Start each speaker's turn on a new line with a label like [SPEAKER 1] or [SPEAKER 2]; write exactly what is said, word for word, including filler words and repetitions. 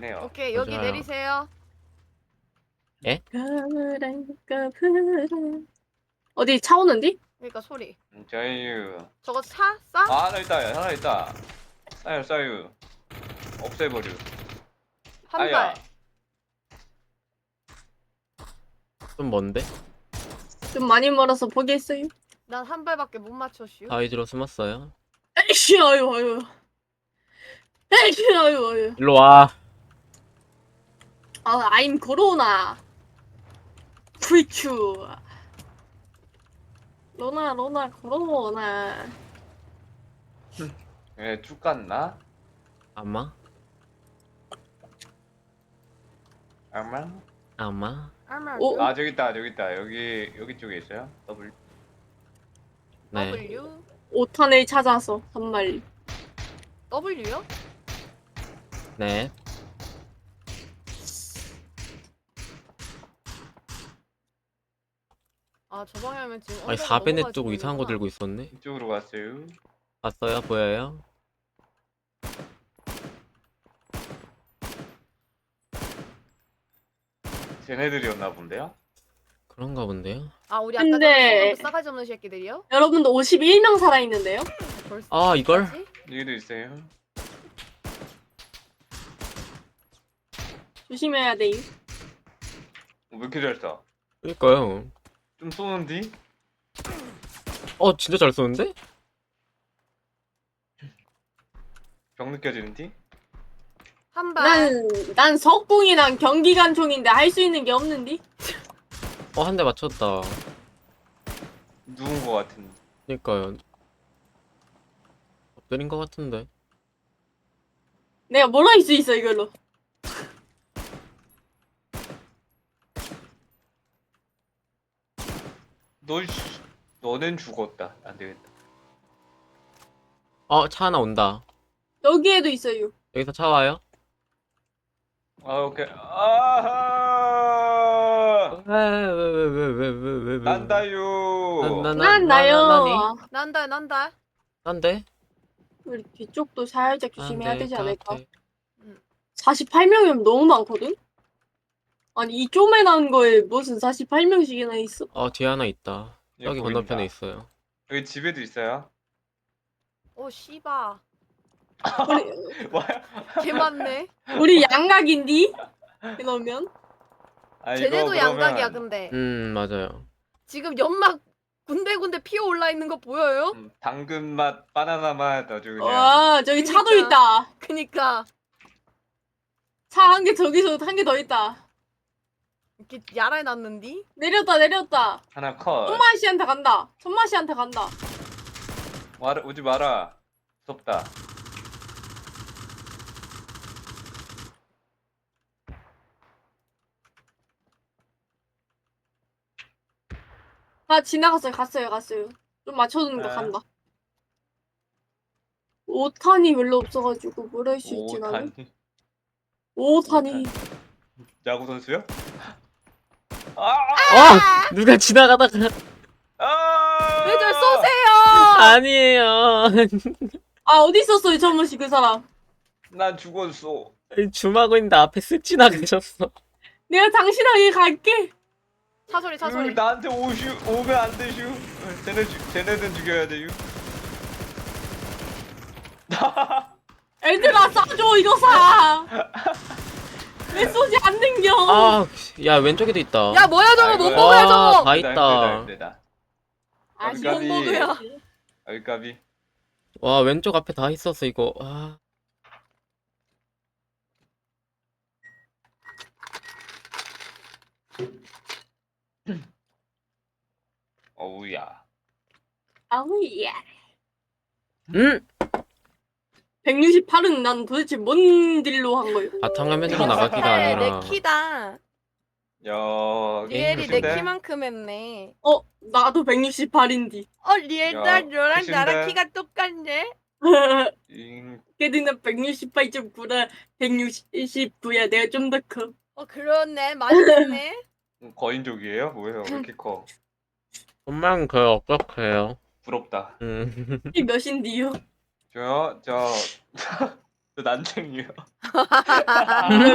[SPEAKER 1] 해요.
[SPEAKER 2] 오케이 여기
[SPEAKER 3] 맞아요.
[SPEAKER 2] 내리세요.
[SPEAKER 4] 그랄까 그랄. 어디 차 오는디?
[SPEAKER 2] 그러니까 소리.
[SPEAKER 1] 음, 자유.
[SPEAKER 2] 저거 차 싸?
[SPEAKER 1] 아 하나 있다 하나 있다. 싸요 싸요. 없애버려.
[SPEAKER 2] 한
[SPEAKER 1] 아야.
[SPEAKER 2] 발.
[SPEAKER 3] 좀 먼데?
[SPEAKER 4] 좀 많이 멀어서 포기했어요.
[SPEAKER 2] 난 한 발밖에 못 맞췄슈.
[SPEAKER 3] 바위지로 숨었어요.
[SPEAKER 4] 에이씨 아유 아유. 에이씨 아유 아유.
[SPEAKER 3] 일로 와.
[SPEAKER 4] 아 I'm 코로나. 프리추. 로나 로나 코로나.
[SPEAKER 1] 예, 쭉 갔나?
[SPEAKER 3] 아마?
[SPEAKER 1] 아마?
[SPEAKER 3] 아마?
[SPEAKER 2] 아마
[SPEAKER 4] 오.
[SPEAKER 1] 아 저기 있다 저기 있다 여기 여기 쪽에 있어요. 더블.
[SPEAKER 3] 네.
[SPEAKER 2] W
[SPEAKER 4] 오탄을 찾아서 한 마리.
[SPEAKER 2] W요?
[SPEAKER 3] 네.
[SPEAKER 2] 아 저 방향이면 지금
[SPEAKER 3] 아니
[SPEAKER 2] 언덕을
[SPEAKER 3] 사베네
[SPEAKER 2] 넘어갈
[SPEAKER 3] 쪽 이상한 거
[SPEAKER 2] 지점이구나.
[SPEAKER 3] 들고 있었네.
[SPEAKER 1] 이쪽으로 갔어요.
[SPEAKER 3] 봤어요? 보여요?
[SPEAKER 1] 쟤네들이었나 본데요?
[SPEAKER 2] 아
[SPEAKER 3] 그런가 본데요?
[SPEAKER 2] 우리 아까
[SPEAKER 4] 근데-
[SPEAKER 2] 전에 싸가지 없는 새끼들이요?
[SPEAKER 4] 여러분도 오십일 명 살아있는데요?
[SPEAKER 2] 벌써
[SPEAKER 3] 아, 이걸?
[SPEAKER 2] 끝까지?
[SPEAKER 1] 여기도 있어요.
[SPEAKER 4] 조심해야 돼요.
[SPEAKER 1] 어, 왜 이렇게 잘 쏴?
[SPEAKER 3] 그니까요.
[SPEAKER 1] 좀 쏘는디?
[SPEAKER 3] 어 진짜 잘 쏘는데?
[SPEAKER 1] 병 느껴지는디?
[SPEAKER 2] 한 발.
[SPEAKER 4] 난, 난 석궁이랑 경기관총인데 할 수 있는 게 없는디?
[SPEAKER 3] 어 한 대 맞췄다.
[SPEAKER 1] 누운 거 같은.
[SPEAKER 3] 그니까요. 엎드린 거 같은데.
[SPEAKER 4] 내가 뭘 할 수 있어 이걸로.
[SPEAKER 1] 너 씨, 너넨 죽었다. 안 되겠다.
[SPEAKER 3] 어 차 하나 온다.
[SPEAKER 4] 여기에도 있어요.
[SPEAKER 3] 여기서 차 와요?
[SPEAKER 1] 아 오케이. 아하.
[SPEAKER 3] 왜왜왜왜왜왜
[SPEAKER 1] 난다요.
[SPEAKER 3] 나-
[SPEAKER 4] 난
[SPEAKER 3] 나니?
[SPEAKER 4] 나요.
[SPEAKER 2] 난다 난다.
[SPEAKER 3] 난데?
[SPEAKER 4] 우리 뒤쪽도 살짝 조심해야
[SPEAKER 3] 난데
[SPEAKER 4] 되지 않을까?
[SPEAKER 3] 같아.
[SPEAKER 4] 사십팔 명이면 너무 많거든? 아니 이 쪼매난 거에 무슨 사십팔 명씩이나 있어?
[SPEAKER 3] 어 뒤에 하나 있다.
[SPEAKER 1] 예,
[SPEAKER 3] 여기
[SPEAKER 1] 보인다.
[SPEAKER 3] 건너편에 있어요.
[SPEAKER 1] 여기 집에도 있어요.
[SPEAKER 2] 오 씨바.
[SPEAKER 4] 우리,
[SPEAKER 1] 뭐야?
[SPEAKER 2] 개 많네.
[SPEAKER 4] 우리 양각인디? 이러면?
[SPEAKER 1] 아, 이거
[SPEAKER 2] 쟤네도
[SPEAKER 1] 그러면
[SPEAKER 2] 양각이야 근데.
[SPEAKER 3] 음 맞아요.
[SPEAKER 2] 지금 연막 군데군데 피어 올라 있는 거 보여요?
[SPEAKER 1] 음, 당근 맛, 바나나 맛 아주 그냥.
[SPEAKER 4] 와 저기 차도
[SPEAKER 2] 그니까.
[SPEAKER 4] 있다.
[SPEAKER 2] 그니까
[SPEAKER 4] 차 한 개 저기서 한 개 더 있다.
[SPEAKER 2] 이렇게 야라해 놨는디?
[SPEAKER 4] 내렸다 내렸다.
[SPEAKER 1] 하나 컷.
[SPEAKER 4] 천마 씨한테 간다. 천마 씨한테 간다.
[SPEAKER 1] 와라, 오지 마라. 무섭다.
[SPEAKER 4] 아 지나갔어요 갔어요 갔어요. 좀 맞춰주는 거
[SPEAKER 1] 네.
[SPEAKER 4] 간다. 오탄이 별로 없어가지고 뭘 할 수 있지 나는?
[SPEAKER 1] 오탄이.
[SPEAKER 4] 오탄이.
[SPEAKER 1] 야구 선수요? 아!
[SPEAKER 3] 어 누가 지나가다가
[SPEAKER 1] 아!
[SPEAKER 2] 왜 절 쏘세요?
[SPEAKER 3] 아니에요.
[SPEAKER 4] 아 어디 있었어요 천마 씨그 사람?
[SPEAKER 1] 난 죽었어.
[SPEAKER 3] 줌하고 있는데 앞에 쓱 지나가셨어.
[SPEAKER 4] 내가 당신에게 갈게.
[SPEAKER 2] 차 소리 차
[SPEAKER 1] 으,
[SPEAKER 2] 소리.
[SPEAKER 1] 나한테 오슈 오면 안 되슈. 쟤네 죽 쟤네는 죽여야 돼요.
[SPEAKER 4] 애들아 싸줘 이거 사. 왜 쏘지 안 댕겨?
[SPEAKER 3] 아, 야 왼쪽에도 있다.
[SPEAKER 2] 야 뭐야 저거 못
[SPEAKER 1] 아이고야.
[SPEAKER 2] 먹어야
[SPEAKER 3] 와,
[SPEAKER 2] 저거.
[SPEAKER 3] 다
[SPEAKER 1] 힘들다,
[SPEAKER 3] 있다.
[SPEAKER 1] 힘들다.
[SPEAKER 4] 아쉬운
[SPEAKER 1] 까비.
[SPEAKER 4] 거야.
[SPEAKER 1] 여기 까비.
[SPEAKER 3] 와 왼쪽 앞에 다 있었어 이거. 아.
[SPEAKER 1] 어우야.
[SPEAKER 4] 아우야.
[SPEAKER 3] 음.
[SPEAKER 4] 백육십팔은 난 도대체 뭔 딜로 한 거예요?
[SPEAKER 3] 바탕화면으로 나가기가
[SPEAKER 2] 네,
[SPEAKER 3] 아니라.
[SPEAKER 2] 내 키다.
[SPEAKER 1] 야.
[SPEAKER 2] 리엘이 내
[SPEAKER 1] 크신데?
[SPEAKER 2] 키만큼 했네.
[SPEAKER 4] 어 나도 백육십팔인디.
[SPEAKER 2] 어 리엘다
[SPEAKER 1] 야,
[SPEAKER 2] 너랑
[SPEAKER 1] 크신데?
[SPEAKER 2] 나랑 키가 똑같네.
[SPEAKER 1] 잉.
[SPEAKER 4] 걔는 나 백육십팔 점 구라 백육십구야. 내가 좀 더 커.
[SPEAKER 2] 어 그렇네 맞네.
[SPEAKER 1] 거인족이에요? 뭐예요? 왜 이렇게 커?
[SPEAKER 3] 엄마는 그 어떡해요.
[SPEAKER 1] 부럽다.
[SPEAKER 3] 음.
[SPEAKER 4] 이 몇인디요?
[SPEAKER 1] 저요? 저, 저 난쟁이요.